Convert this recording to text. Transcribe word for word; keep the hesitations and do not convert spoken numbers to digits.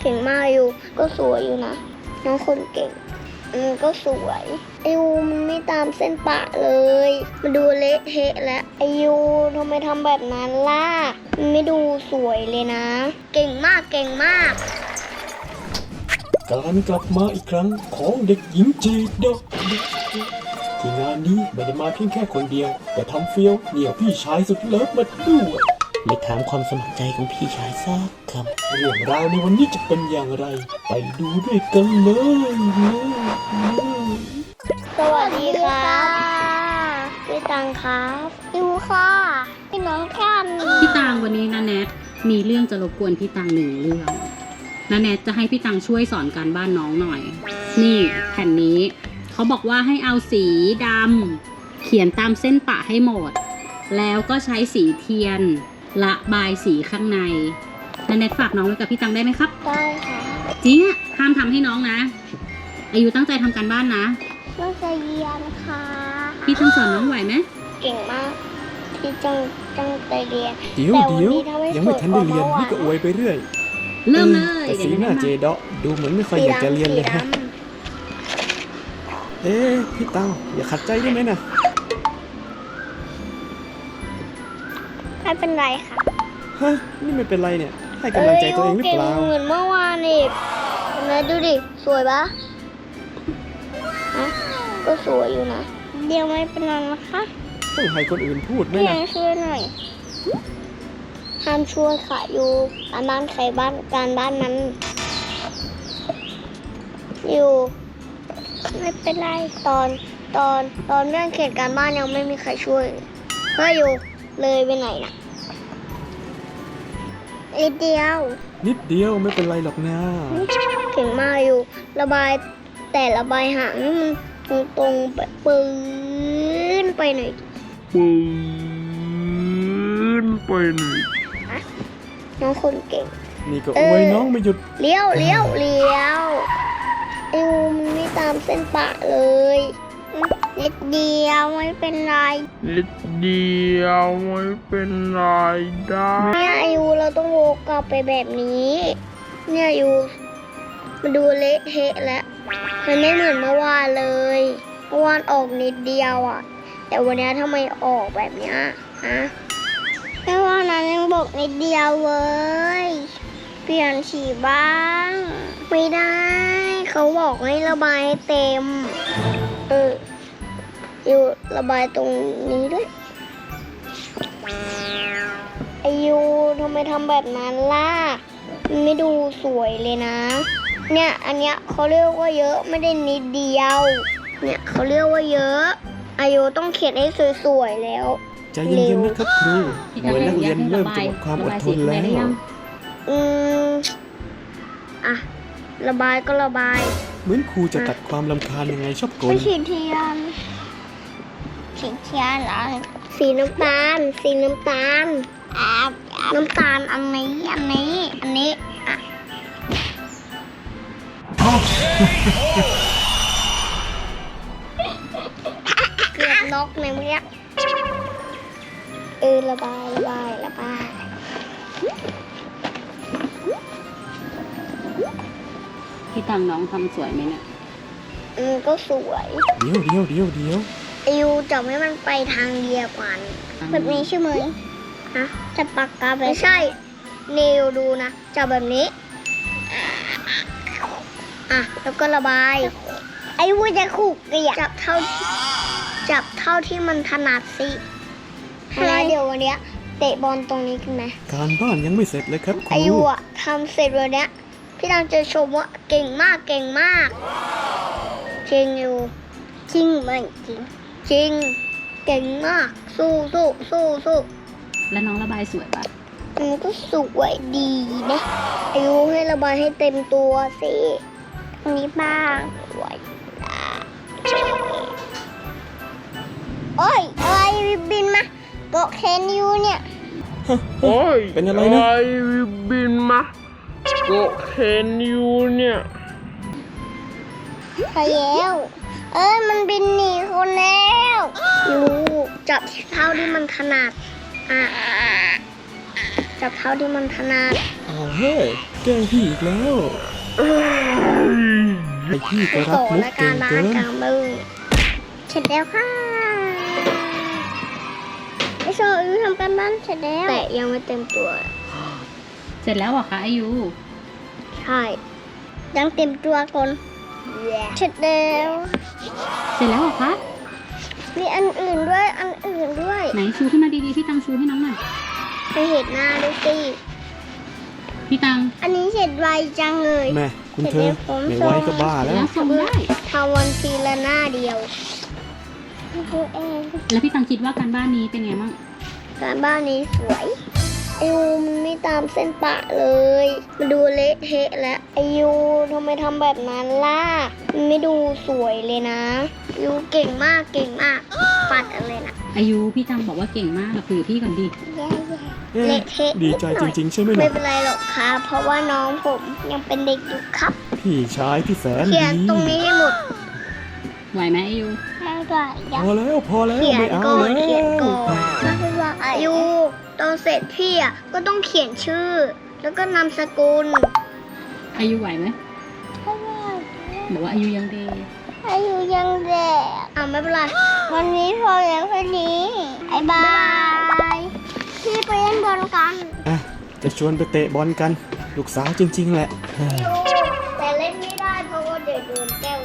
ก่งมากอยู่ก็สวยอยู่นะน้องคนเก่งอืมก็สวยไอยูมันไม่ตามเส้นปะเลยมันดูเละเทะแล้วไอยูทำไมทำแบบนั้นล่ะมันไม่ดูสวยเลยนะเก่งมากเก่งมากการกลับมาอีกครั้งของเด็กหญิงจีดอกที่งานนี้ไม่ได้มาเพียงแค่คนเดียวแต่ทำเฟี้ยวเหนี่ยวพี่ชายสุดเลิฟมาด้วยไม่ถามความสมัครใจของพี่ชายสักคำเรื่องราวในวันนี้จะเป็นอย่างไรไปดูด้วยกันเลยสวัสดีค่ะพี่ตังครับยูค่ะพี่น้องกันพี่ตังวันนี้นะแนทมีเรื่องจะรบกวนพี่ตังหนึ่งเรื่องนะแนทจะให้พี่ตังช่วยสอนการบ้านน้องหน่อยนี่แผ่นนี้เขาบอกว่าให้เอาสีดำเขียนตามเส้นปะให้หมดแล้วก็ใช้สีเทียนระบายสีข้างในนะแนทฝากน้องไว้กับพี่ตังได้ไหมครับได้ค่ะจริงอะห้ามทำให้น้องนะอายุตั้งใจทำการบ้านนะตั้งใจเรียนค่ะพี่ตังสอนน้องไหวไหมเก่งมากพี่จังจังใจเรียนเดี๋ยวเดี๋ยวยังไม่ทันได้เรียนนี่ก็อวยไปเรื่อยเริ่มเลยแต่สีหน้าเจดอกดูเหมือนไม่ค่อยอยากจะเรียนเลยฮะเอ๊ะพี่ตังอย่าขัดใจได้ไหมนะไม่เป็นไรค่ะฮะนี่ไม่เป็นไรเนี่ยให้กำลังใจตัวเองหรือเปล่าเหมือนเมื่อวานอีกเห็นไหมดูดิสวยปะฮะก็สวยอยู่นะเดี๋ยวไม่เป็นไรนะคะต้องให้คนอื่นพูดไหมนะช่วยหน่อยห้ามช่วยค่ะอยู่การบ้านใครบ้านการบ้านนั้นอยู่ไม่เป็นไรตอนตอนตอนเรื่องเขียนการบ้านยังไม่มีใครช่วยเฮ้ยอยู่เลยไปไหนนะนิดเดียวนิดเดียวไม่เป็นไรหรอกนะเก่งมากอยู่ระบายแต่ระบายหางมันตรงตรงแบบปืนไปหน่อยปืนไปหน่อยน้องคนเก่งนี่ก็อวยน้องไม่หยุดเลี้ยวเลี้ยวเลี้ยวไอ้วูมันไม่ตามเส้นปะเลยนิดเดียวไม่เป็นไรนิดเดียวไม่เป็นไรได้เนี่ยไอ้วูเราต้องโวกกลับไปแบบนี้เนี่ยยูมันดูเละเทะแล้วมันไม่เหมือนเมื่อวานเลยเมื่อวานออกนิดเดียวอ่ะแต่วันนี้ทำไมออกแบบเนี้ยฮะแค่ว่านั้นยังบอกนิดเดียวเว้ยเปลี่ยนสีบ้างไม่ได้เขาบอกให้ระบายให้เต็มเอออยู่ระบายตรงนี้ด้วยไอยูทำไมทำแบบนั้นล่ะมันไม่ดูสวยเลยนะเนี่ยอันเนี้ยเขาเรียกว่าเยอะไม่ได้นิดเดียวเนี่ยเขาเรียกว่าเยอะอายุต้องเขียนให้สวยๆแล้วใจเย็นๆนะครับครูเหมือนนักเรียนเริ่มจะหมดความอดทนแล้วอืมอ่ะระบายก็ระบายเหมือนครูจะตัดความรำคาญยังไงชอบกลสีเทียนสีเทียนเหรอสีน้ำตาลสีน้ำตาลอ่าน้ำตาลอันนี้อันนี้อันนี้อ่ะเกือบนกในเมื่อเออระบายระบายระบายพี่ตังน้องทำสวยไหมเนี่ยอืมก็สวยเดี๋ยวเดี๋ยวเดี๋ยวเดี๋ยวอิวจับให้มันไปทางเดียวกันแบบนี้ใช่ไหมฮะจับปากกาไปไม่ใช่เนวดูนะจับแบบนี้อ่ะแล้วก็ระบายไอ้วูจะขู่เกลียจับเท่าจับเท่าที่มันถนัดสิแล้วเดี๋ยววันนี้เตะบอลตรงนี้กันไหมการบ้านยังไม่เสร็จเลยครับครูไอ้วูอะทำเสร็จวันนี้พี่ตังจะชมว่าเก่งมากเก่งมากจริงอยู่จริงไหมจริงจริงเก่งมากสู้สู้สู้สู้แล้วน้องระบายสวยปะมันก็สวยดีนะอายุให้ระบายให้เต็มตัวสิอันนี้บ้างสวยนะโอ้ยอะไรบินมาเกาะแขนยูเนี่ยโอ้ยเป็นอะไรนะอะไรบินมาเกาะแขนยูเนี่ยพายแล้วเอ้ยมันบินหนีคนแล้วยูจับเท่าที่มันถนัดอ่ะจับเท่าที่มันถนัดเอาเฮ้ยแกล้งพี่อีกแล้วไอพี่ก็รับโตมุกและเก่การงบ้าเกินนกลางบึ้งเสร็จแล้วค่ะไอโซอูทำการบ้านเสร็จแล้วแต่ยังไม่เต็มตัวเสร็จแล้วเหรอคะอายุใช่ ยังเต็มตัวก่อนเสร็จแล้วเสร็จแล้วเหรอคะมีอันอื่นด้วย อันอื่นด้วยไหนชูขึ้นมาดีๆพี่ตังชูให้น้องหน่อยไปเห็นหน้าดูสิพี่ตังอันนี้เสร็จไวจังเลยแม่คุณเธอไม่ไหวก็บ้าเสร็จแล้วแล้วส่งได้ทำวันทีละหน้าเดียวดูเองแล้วพี่ตังคิดว่าการบ้านนี้เป็นไงบ้างการบ้านนี้สวยไอยูมันไม่ตามเส้นปะเลย มันดูเละเทะแล้วไอยูทำไมทำแบบนั้นล่ะ มันไม่ดูสวยเลยนะยูเก่งมากเก่งมาก ปัดอะไรนะอายุพี่ตังบอกว่าเก่งมากเราคุยกับพี่ก่อนดิแย่เอ๊ะๆเละเทะดีใจจริงๆใช่ไหมไม่ล่ะเป็นไรหรอกครับ เพราะว่าน้องผมยังเป็นเด็กอยู่ครับพี่ชายที่แสนเขีดียนตรงนี้ให้หมดไหวไหมอายุไม่ได้ยัพอแล้วพอแล้วเขียนไม่เอาก่อนแล้วเขียนก่อนไม่เป็นไรอายุตอนเสร็จพี่อ่ะก็ต้องเขียนชื่อ แล้วก็นามสกุลอายุไหวไหมบอกว่าอายุยังเด็กอายุยังเด็กอ่ะไม่เป็นไรวันนี้พอแล้วแค่นี้บายบายพี่ไปเล่นบอลกันอ่ะจะชวนไปเตะบอลกัน ลูกสาวจริง ๆ แหละแต่เล่นไม่ได้เพราะว่าเดี๋ยวโดนแก้ว